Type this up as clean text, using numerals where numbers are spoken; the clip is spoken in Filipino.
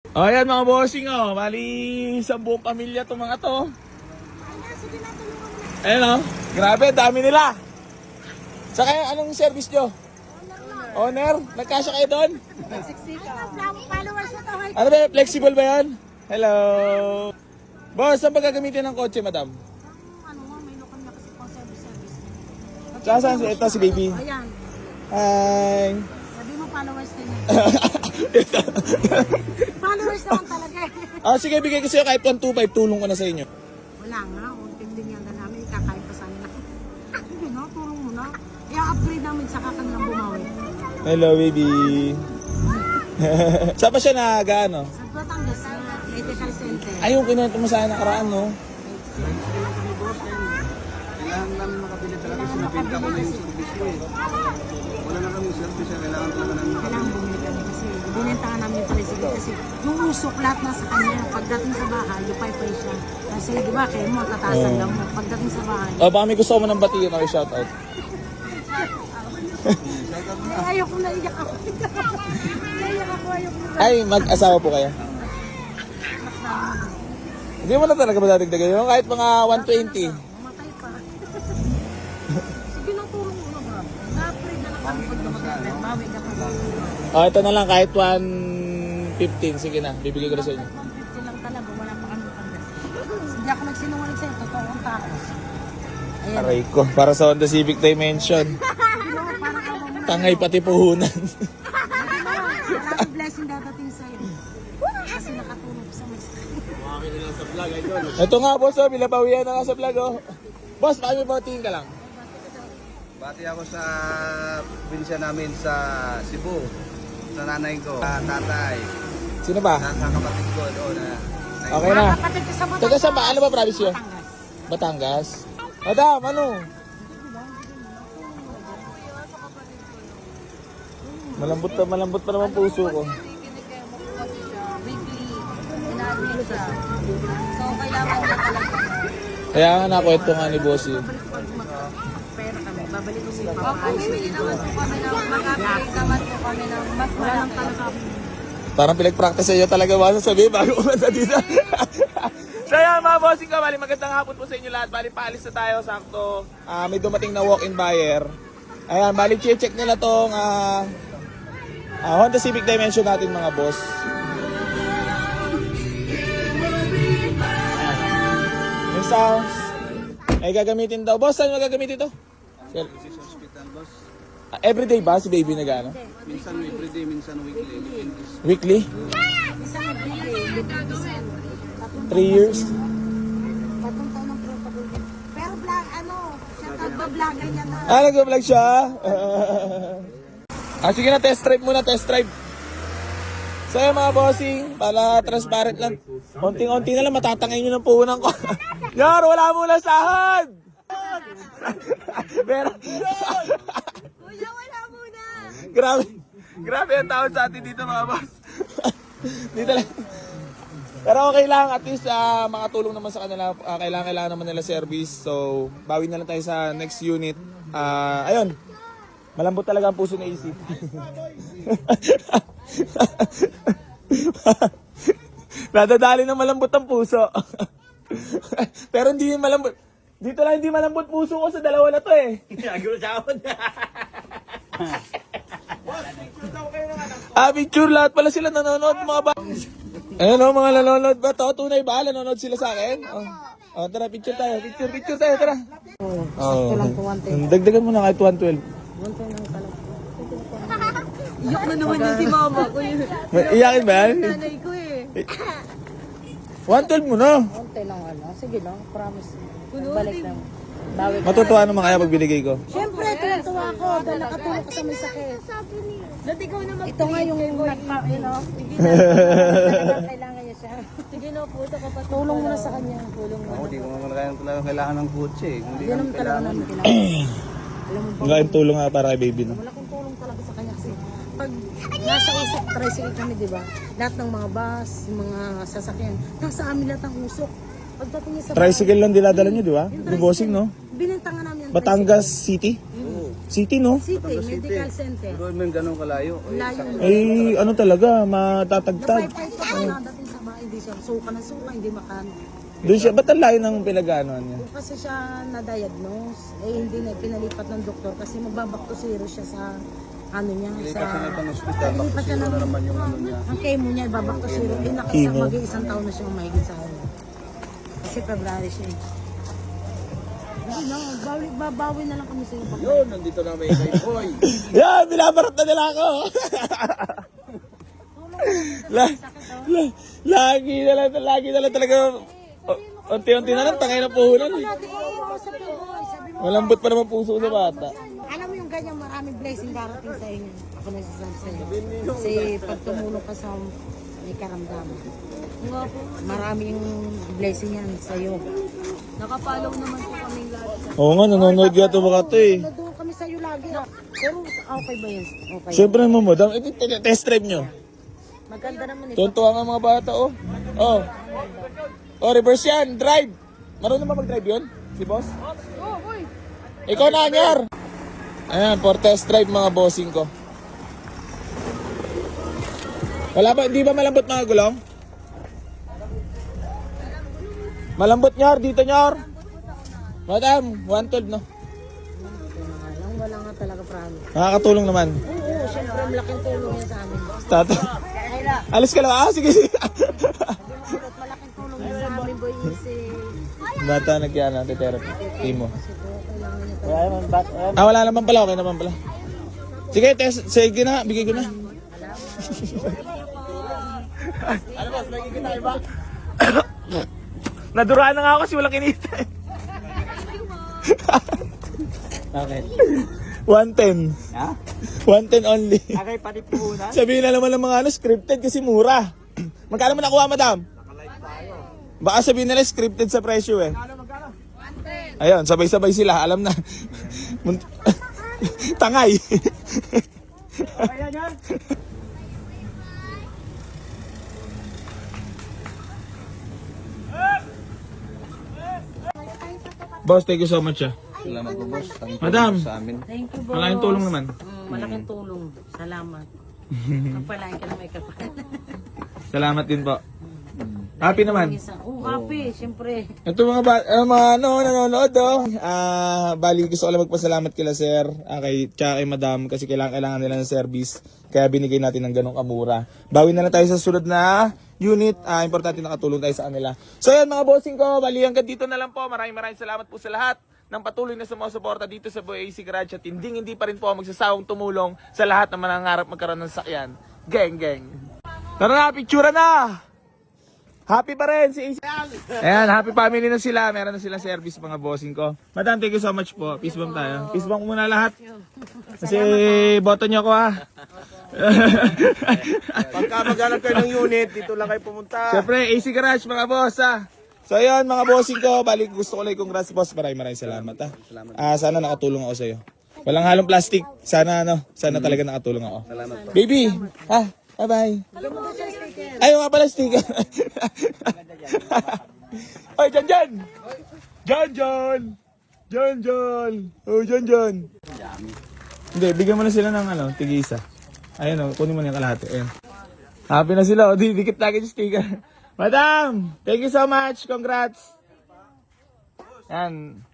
O ayan mga bossing oh, bali sa buong pamilya to mga to. Ayan o, grabe, dami nila. Sa kayo, anong service nyo? Owner? Nagkasya kayo doon? Ano ba, flexible ba yan? Hello. Boss, saan ba gagamitin ng kotse, madam? May lokal na kasi pang service. Saan? Ito si baby. Ayan. Hi. Sabi mo followers din. Followers naman talaga. Sige, bigay ko sa'yo kahit 125, tulong ko na sa inyo. Wala nga. Unting din yan namin. Kakain pa sana. Sige na, tulong mo na. I-upgrade namin sa kanilang bumawi. Hello, baby. Saan pa siya nag-ano? Sa Batangas na medical center. Ayun, kinuha mo sa nakaraan, no? Kailangan namin makabili talaga sa nabenta ko na yung servisyo eh. Wala na kami servisyo, kailangan talaga namin Kailangan bumili kami kasi binentahan namin yung tricycle kasi yung usok lahat nasa kanya. Pagdating sa bahay, lupay-pay siya. Kasi di ba, kayo mo, tatasan lang mo. Pagdating sa bahay, Baka may gusto mo ng batiin or shoutout. ayoko na iyak ako. Naiyak ako, ayoko na. Ay, mag-asawa po kayo? Hindi mo na talaga madadagdagan yun. Kahit mga 120. Mamatay pa. Sige na, tulong mo na ba? Na-upgrade na lang kami pag naman. Bawi ka pa. Ito na lang kahit 115. Sige na, bibigay ko na sa inyo. 150 lang talaga, wala pa kami pagdas. Hindi ako nagsinungaling sa'yo, totoo ang tao. Ayan. Aray ko, para sa Honda Civic Dimension. Ginawa, parang ako muna. Tangay pati puhunan. Maraming blessing dadating sa'yo. Kasi nakatulog sa may Ito nga boss, oh, bilabawian na nga sa vlog. Oh. Boss, baka may batiin ka lang. Bati ako sa pinsya namin sa Cebu. Sa nanay ko, sa tatay, Sino ba? sa kapatid ko doon na Okay na. kapatid ko sa Batangas. Taga saan ba? Ano ba province yun? Batangas. Madam, ano? Malambot pa naman puso ko. Weekly, inaadmit siya. So, kailangan niya talaga. Kaya nga nakwento nga ni boss yun. Pera kami, babalik ko siya. Hindi naman po kami na mag-upgrade naman po kami ng mas malang talaga. Parang pinag-practice sa'yo talaga ba sasabihin bago umanda dito. So yan mga bossing ko, bali magandang hapon po sa inyo lahat. Bali paalis na tayo, sakto. May dumating na walk-in buyer. Ayan, bali check nila tong Honda Civic Dimension natin mga boss. May sounds. Ay gagamitin daw. Boss, saan magagamitin ito? sa hospital, boss. Everyday ba si baby nag-ano? Minsan everyday, minsan weekly. Weekly? Isa nagbili, 3 years? patong tayo ng protocol. Pero vlog, siya nagbablogger niya na. Nag-vlog siya? Sige na, test drive muna, test drive. So yun mga bossing, para transparent lang. Konting-konti na lang, matatangay nyo ng puhunan ko. Yar, wala muna sahod! Pero, Kuya, wala muna! grabe ang tawad sa atin dito mga boss. Dito lang. Pero okay lang, at least makatulong naman sa kanila. Kailangan naman nila service. So, bawi na lang tayo sa next unit. Ayun, malambot talaga ang puso ni AC. Nadadali ng malambot ang puso. Pero hindi malambot. Dito lang hindi malambot puso ko sa dalawa na to eh. Picture lahat pala sila nanonood mga ba. Ayun o, mga nanonood ba to? Tunay ba? Nanonood sila sa akin? Tara, picture tayo. Picture tayo, tara. Sakto lang po, 110. Dagdagan mo na kahit 112. 110 lang talaga. Iyok na naman yung si mama ko yun. Iyakin ba yan? Nanay ko eh. 112 mo na. 110 lang sige lang, promise. Balik lang. Bawi ka. Matutuwa naman kaya pag binigay ko. Siyempre, tuwa ako dahil nakatulong ka sa may sakit. Dati ko naman. Ito nga yung kailangan niya siya. Sige na po, tulong mo na sa kanya. Tulong mo. Ako, di ko naman talaga kailangan ng kotse eh. Kung di Yan naman naman talaga kailangan. namin kailangan. Alam mo ba? Ang tulong nga para kay baby, no? Wala kong tulong talaga sa kanya kasi pag nasa usok, tricycle kami, di ba? Lahat ng mga bus, mga sasakyan, nasa amin lahat ang usok. Pagdating niya sa Tricycle lang dinadala nyo, di ba? Yung bossing, no? Binenta nga namin ang Batangas City? tricycle. City, no? City, Batangas City. Medical Center. Pero may ganun kalayo. Layo. Eh, ano talaga, matatagtag. Napay-pay ito kung dating sa bahay, hindi siya suka na suka, hindi makano. Doon siya, ba't ang layo ng pinag-aanoan niya? Kasi siya na-diagnose, eh hindi na pinalipat ng doktor kasi magbabak to zero siya sa ano niya, Ilipat sa... sa ibang ospital. Ilipat Tapos siya yun ng... na naman yung ano niya. Ang chemo niya, ibabak to zero. Eh, Chemo. mag-iisang taon na siya mahigit sa ano. Kasi February siya eh. Hindi na, babawi na lang kami sa iyo. Yun, nandito na may kay Boy. Yan, binabarat na nila ako. Lagi na lang talaga. Unti-unti na lang, tangay na puhunan. Eh. Malambot pa naman puso sa bata. Alam mo yung ganyan, maraming blessing darating sa inyo. Ako nagsasabi sa iyo. Kasi pag tumulong ka sa may karamdaman, maraming blessing yan sa iyo. Nakapalaw naman po kami lahat. Oo nga, nanonood ka ito baka ito eh. Nandun kami sa iyo lagi. Pero okay ba yan? Okay. Siyempre naman madam, test drive nyo. Maganda naman ito. Tuntua nga mga bata oh. Oh. Oh, reverse yan, drive. Marunong ba mag-drive yun? Si boss? Oh, boy! Ikaw na, Anyar. Ayan, for test drive mga bossing ko. Wala ba, di ba malambot mga gulong? Malambot Nyar, dito Nyar. Madam, 112 no? Wala nga talaga promise. Nakakatulong naman. Oo, syempre malaking tulong yan sa amin. Tato. Alis ka lang. Ah, sige, sige. Malaking tulong yan sa amin, boy. Kasi Bata nagkaya therapy. Timo. kailangan niya Ah, wala naman pala. Okay naman pala. Sige, test. Sige na. Bigay ko na. Ano boss? Bigay kita iba? Naduraan na nga ako kasi walang kinita. Bakit? 110. Ha? 110 only. Akay pati puhunan? Sabihin na naman ng mga ano, scripted kasi mura. Magkano mo nakuha, madam? Baka sabihin nila scripted sa presyo eh. Ayun, sabay-sabay sila. Alam na. Tangay. Ayan yan! Boss, thank you so much ah. Salamat po, boss. Ang tulong Madam. Sa amin. Thank you, boss. Malaking tulong naman. Malaking tulong. Salamat. Kapalain ka na may kapal. Salamat din po. Happy naman. Oo, happy, syempre. Ito mga ano, nanonood oh. Bali gusto ko lang magpasalamat kila sir, kay tsaka kay madam kasi kailangan nila ng service. Kaya binigay natin ng ganong kamura. Bawi na lang tayo sa sunod na unit. Importante nakatulong tayo sa kanila. So yan mga bossing ko, bali hanggang dito na lang po. Maraming salamat po sa lahat ng patuloy na sumusuporta dito sa Boy AC Garage at hindi pa rin po magsasawang tumulong sa lahat na manangarap magkaroon ng sakyan. Geng, geng. Tara na, picture na! Happy pa rin si AC. Ayan, happy family na sila. Meron na silang service mga bossing ko. Madam, thank you so much po. Peace bomb tayo. Peace bomb muna lahat. Kasi boto nyo ko ha. Pagka maghanap kayo ng unit, dito lang kayo pumunta. Siyempre, AC Garage mga boss ha. So ayun mga bossing ko, balik gusto ko lang congrats boss. Maraming salamat ha. Sana nakatulong ako sa iyo. Walang halong plastic. Sana talaga nakatulong ako. Baby, ha? Bye-bye. Ay, mga pala sticker. Oy, John. Oh, John. Hindi, bigyan mo na sila ng tig-isa. Ayun kunin mo na yung kalahati. Ayun. Happy na sila. O, dikit lagi yung sticker. Madam, thank you so much. Congrats. Yan.